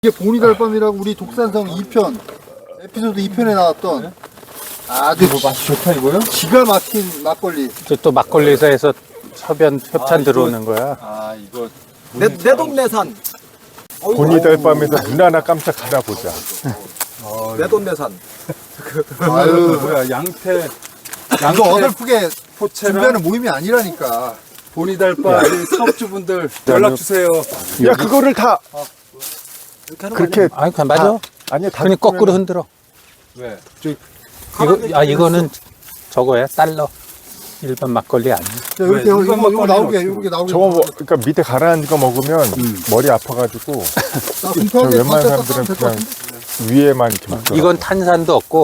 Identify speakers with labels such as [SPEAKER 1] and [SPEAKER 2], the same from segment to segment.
[SPEAKER 1] 이게 보니달밤이라고 우리 독산성 2편 에피소드 2편에 나왔던 아주
[SPEAKER 2] 맛이 좋다 이거요?
[SPEAKER 1] 기가 막힌 막걸리.
[SPEAKER 3] 또 막걸리 회사에서 협찬 들어오는 거야.
[SPEAKER 2] 아 이거
[SPEAKER 4] 내 동네산.
[SPEAKER 5] 보니달밤에서 눈 하나 깜짝 알아보자.
[SPEAKER 4] 내 동네산.
[SPEAKER 1] 아유,
[SPEAKER 2] 뭐야 양태
[SPEAKER 1] 이거 어설프게
[SPEAKER 2] 포체랑
[SPEAKER 1] 준비하는 모임이 아니라니까.
[SPEAKER 2] 보니달밤 사업주분들 연락 주세요.
[SPEAKER 5] 야 그거를 다 그렇게
[SPEAKER 3] 아니, 그냥 맞아.
[SPEAKER 5] 아니야 다
[SPEAKER 3] 그냥 거꾸로 흔들어.
[SPEAKER 2] 왜?
[SPEAKER 3] 이거는 저거야, 달러. 일반 막걸리 아니야.
[SPEAKER 1] 자, 이렇게
[SPEAKER 2] 왜?
[SPEAKER 1] 이거
[SPEAKER 2] 일반
[SPEAKER 1] 나오게,
[SPEAKER 2] 막걸리는
[SPEAKER 1] 이렇게 나오게.
[SPEAKER 5] 저거 뭐, 그러니까 밑에 가라앉은 거 먹으면 머리 아파가지고
[SPEAKER 1] 자,
[SPEAKER 5] 저
[SPEAKER 1] 공평하게
[SPEAKER 5] 웬만한
[SPEAKER 1] 깎아서
[SPEAKER 5] 사람들은
[SPEAKER 1] 될것
[SPEAKER 5] 그냥
[SPEAKER 1] 같은데?
[SPEAKER 5] 위에만 이렇게 먹더라고.
[SPEAKER 3] 이건 탄산도 없고,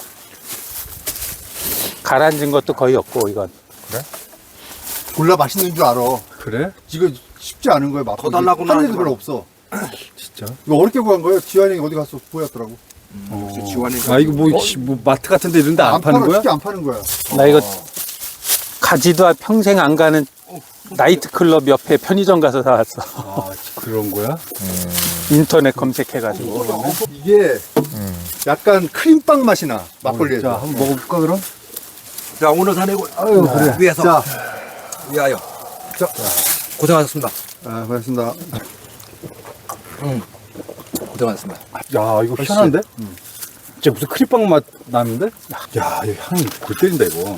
[SPEAKER 3] 가라앉은 것도 거의 없고, 이건.
[SPEAKER 1] 졸라 맛있는 줄 알아.
[SPEAKER 2] 그래?
[SPEAKER 1] 이거 쉽지 않은 거야, 막걸리.
[SPEAKER 4] 더 달라고
[SPEAKER 1] 하는
[SPEAKER 4] 하지
[SPEAKER 1] 애들
[SPEAKER 4] 마.
[SPEAKER 1] 별로 없어.
[SPEAKER 2] 진짜?
[SPEAKER 1] 이거 어렵게 구한 거예요? 지환이 어디 가서 보였더라고.
[SPEAKER 4] 지원이.
[SPEAKER 2] 아 이거 뭐 마트 같은데 이런데 안 파는
[SPEAKER 1] 팔아,
[SPEAKER 2] 거야?
[SPEAKER 1] 쉽게 안 파는 거야.
[SPEAKER 3] 나 이거 가지도 평생 안 가는 나이트클럽 옆에 편의점 가서 사왔어.
[SPEAKER 2] 아 그런 거야?
[SPEAKER 3] 인터넷 검색해가지고.
[SPEAKER 1] 이게 약간 크림빵 맛이 나, 막걸리에서.
[SPEAKER 2] 자 한번 먹어볼까 그럼?
[SPEAKER 4] 자, 오늘 산이고
[SPEAKER 1] 아유, 그래.
[SPEAKER 4] 위해서
[SPEAKER 1] 자,
[SPEAKER 4] 위하여. 자, 고생하셨습니다.
[SPEAKER 1] 아, 고맙습니다.
[SPEAKER 4] 고생하셨습니다.
[SPEAKER 2] 야 이거 희한한데? 진짜 무슨 크림빵 맛 나는데? 야 이거 향이 골 때린다 이거.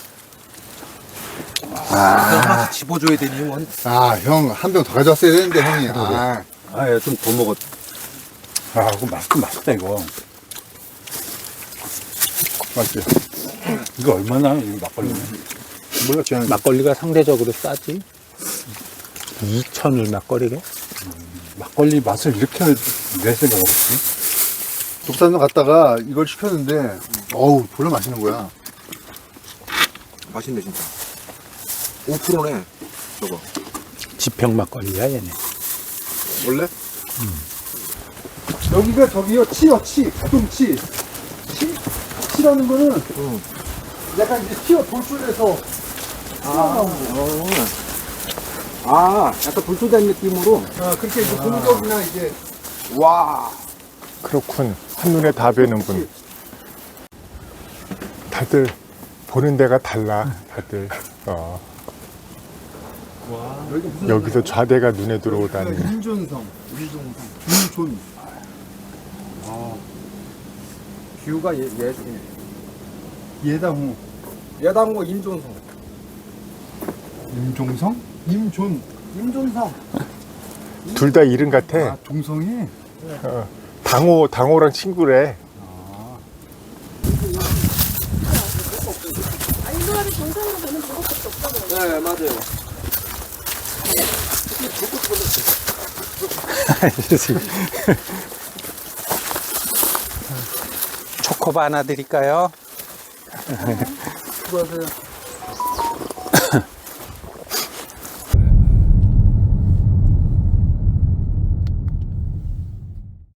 [SPEAKER 4] 하나씩 집어줘야 되니 원.
[SPEAKER 1] 아, 형, 한 병 더 가져왔어야 되는데, 형이. 아,
[SPEAKER 2] 아 좀 더 먹었. 아 이거 맛있긴 맛있다 이거.
[SPEAKER 1] 맛있지?
[SPEAKER 2] 이거 얼마나 이 막걸리는?
[SPEAKER 1] 몰라, 지환이.
[SPEAKER 3] 막걸리가 상대적으로 싸지. 2,000을 막걸리게?
[SPEAKER 2] 막걸리 맛을 이렇게 낼 생각 없지?
[SPEAKER 1] 독산동 갔다가 이걸 시켰는데, 어우, 졸라 맛있는 거야.
[SPEAKER 4] 맛있네 진짜. 5%네. 저거.
[SPEAKER 3] 지평 막걸리야, 얘네.
[SPEAKER 1] 원래? 여기가 저기요, 치요, 치. 부동치. 치라는 거는 약간 이제 치어 돌출해서
[SPEAKER 4] 아, 약간 불소된 느낌으로.
[SPEAKER 1] 그렇게 이제 공격이나 이제
[SPEAKER 4] 와.
[SPEAKER 5] 그렇군. 한눈에 다 뵈는군. 다들 보는 데가 달라. 다들. 여기서 좌대가 눈에 들어오다니.
[SPEAKER 1] 임존성, 임존.
[SPEAKER 4] 뷰가
[SPEAKER 1] 예당호,
[SPEAKER 4] 예당고 임존성.
[SPEAKER 1] 임종성, 임존성.
[SPEAKER 5] 둘 다 이름 같아.
[SPEAKER 1] 아, 동성이?
[SPEAKER 5] 당호랑 친구래.
[SPEAKER 6] 인도하기 정상으로 되는 방법밖에 없다고.
[SPEAKER 4] 네, 맞아요.
[SPEAKER 3] 초코바 하나 드릴까요?
[SPEAKER 1] 수고하세요.